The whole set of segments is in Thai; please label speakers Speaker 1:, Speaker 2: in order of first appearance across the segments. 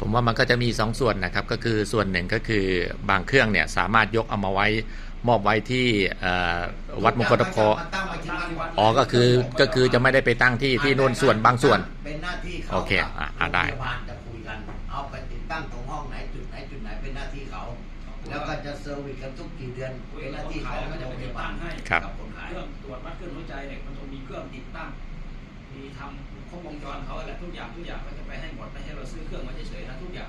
Speaker 1: ผมว่ามันก็จะมี2ส่วนนะครับก็คือส่วนหนึ่งก็คือบางเครื่องเนี่ยสามารถยกเอามาไว้มอบไว้ที่วัดมงคลตะเคาะอ๋อก็คือจะไม่ได้ไปตั้งที่นู่นส่วนบางส่วน
Speaker 2: เป็นหน้าที่เขา
Speaker 1: โอเคได้
Speaker 2: โรงพยาบาลจะคุยกันเอาไปติดตั้งตรงห้องไหนจุดไหนเป็นหน้าที่เขาแล้วก็จะเซอร์วิสกันทุกกี่เดือนเป็นหน้าที่เขาก็จะไปติดตั้งให้
Speaker 1: ครับ
Speaker 2: คนขาย
Speaker 3: เครื่องตรวจวัดคลื่นหัวใจเนี่ยมันต้องมีเครื่องติดตั้งมีทำครบวงจรเขาแหละทุกอย่างก็จะไปให้หมดไม่ใช่เราซื้อเครื่องมาเฉยๆนะทุกอย่าง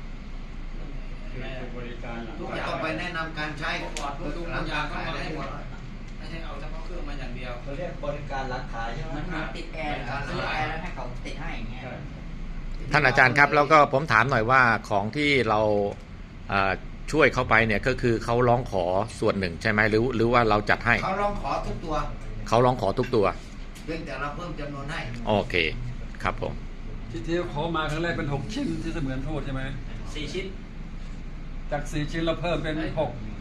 Speaker 4: บริการ
Speaker 2: ทุกอย่างต้องไปแนะนำการใช้
Speaker 3: ก่อนดูทุกอย่างก็มาให้หมดไม่ใช่เอาเฉพาะเครื่องมาอย่างเดียว
Speaker 5: เขาเรียกบริการร้านขายใช่ไหม
Speaker 6: มันติดแอร์ซื้อแอร์แล้วให้เขาติดให้อย่างเงี้ย
Speaker 1: ท่านอาจารย์ครับแล้วก็ผมถามหน่อยว่าของที่เราช่วยเขาไปเนี่ยก็คือเขาร้องขอส่วนหนึ่งใช่ไหมหรือว่าเราจัดให้
Speaker 2: เขาร้องขอทุกตัว
Speaker 1: เขาร้องขอทุกตัว
Speaker 2: เพียงแต่เราเพิ่มจำนวนให้
Speaker 1: โอเคครับผม
Speaker 4: ที่เขามาครั้งแรกเป็น6 ชิ้นที่เสมือนโทษใช่ไหม
Speaker 3: 4 ชิ้น
Speaker 4: จาก4 ชิ้นเราเพิ่มเป็น6 2 4 6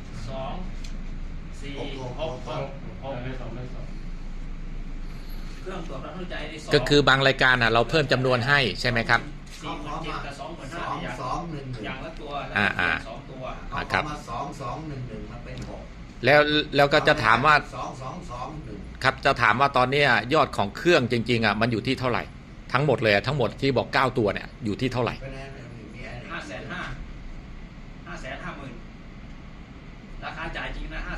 Speaker 3: เครื่องตรวจวัดหัวใจใน
Speaker 1: ก็คือบางรายการเราเพิ่มจำนวนให้ใช่ไหมครับ
Speaker 3: 47กับ25,000อย่างละตัว2 ตัว
Speaker 1: ครับ
Speaker 2: มา2211มาเป็น6
Speaker 1: แล้วก็จะถามว่า
Speaker 2: 2221
Speaker 1: ครับจะถามว่าตอนนี้ยอดของเครื่องจริงๆมันอยู่ที่เท่าไหร่ทั้งหมดเลยทั้งหมดที่บอก9ตัวเนี่ยอยู่ที่เท่าไหร่
Speaker 3: 550,000ราคาจ่ายจริงนะ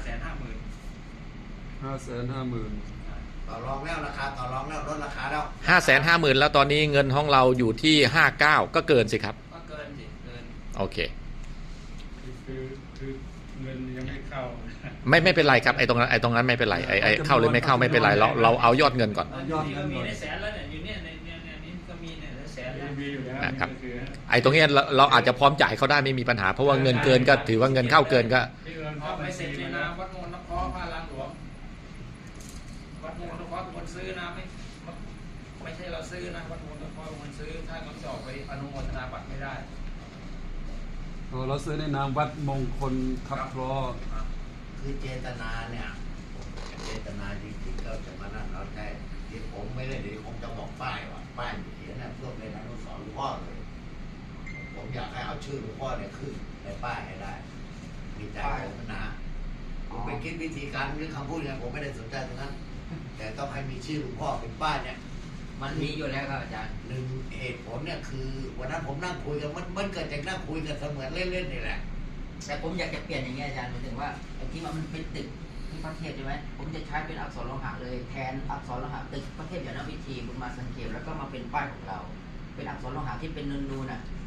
Speaker 4: 550,000
Speaker 2: ต่อรองแล้วราคาต่อรองแล้วลดราคาแล้ว
Speaker 1: 550,000แล้วตอนนี้เงินห้องเราอยู่ที่59ก็เกินสิครับ
Speaker 3: ก็เกิน
Speaker 1: โอเค
Speaker 4: คือเงินยังไม่เข้า
Speaker 1: ไม่เป็นไรครับไอ้ตรงนั้นไม่เป็นไรไอ้เข้าหรือไม่เข้าไม่เป็นไรเราเอายอดเงินก่อน
Speaker 3: ยอดเงินมีในแสนแล้วเนี่ยอยู่เนี่ยในนี้ก็มีเนี่ยแสนแล้ว
Speaker 1: นะครับไอ้ตรงนี้เราอาจจะพร้อมจ่ายเขาได้ไม่มีปัญหาเพราะว่าเงินเกินก็ถือว่าเงินเข้าเกินก็
Speaker 3: ไม่เสร็จเลยนะวัดมงคลนครพระรามหลวงวัดมงคลนครเป็นคนซื้อนะไม่ใช่เราซื้อนะวัดมงคลนครเป็นคนซื้อถ้าเขาจะออกไปอนุโมทนาบัตรไม่ได้
Speaker 4: เราซื้อในนามวัดมงคลทับคลอ
Speaker 2: คือเจตนาเนี่ยเจตนาจริงๆเราจะมานั่นเราใช่ที่ผมไม่ได้เดี๋ยวผมจะบอกป้ายว่าป้ายเขียนเพื่อเป็นอนุสรณ์หลวงพ่อเลยผมอยากให้เอาชื่อหลวงพ่อเนี่ยขึ้นในป้ายให้ได้มีใจผมนะผมไปคิดวิธีการหรือคำพูดเนี่ยผมไม่ได้สนใจตรงนั้นแต่ต้องให้มีชื่อหลวงพ่อเป็นป้ายเนี่ย
Speaker 6: มันมีอยู่แล้วครับอาจารย์
Speaker 2: หนึ่งเหตุผลเนี่ยคือวันนั้นผมนั่งคุยกันมันเกิดจากนั่งคุยกันเสมือนเล่นๆนี่แหละ
Speaker 6: แต่ผมอยากจะเปลี่ยนอย่างนี้อาจารย์หมายถึงว่าไอ้ที่มันเป็นตึกที่พระเทพใช่ไหมผมจะใช้เป็นอักษรโลหะเลยแทนอักษรโลหะตึกพระเทพยานวิธีบุญมาสังเขปแล้วก็มาเป็นป้ายของเราเป็นอักษรโลหะที่เป็นนูนๆ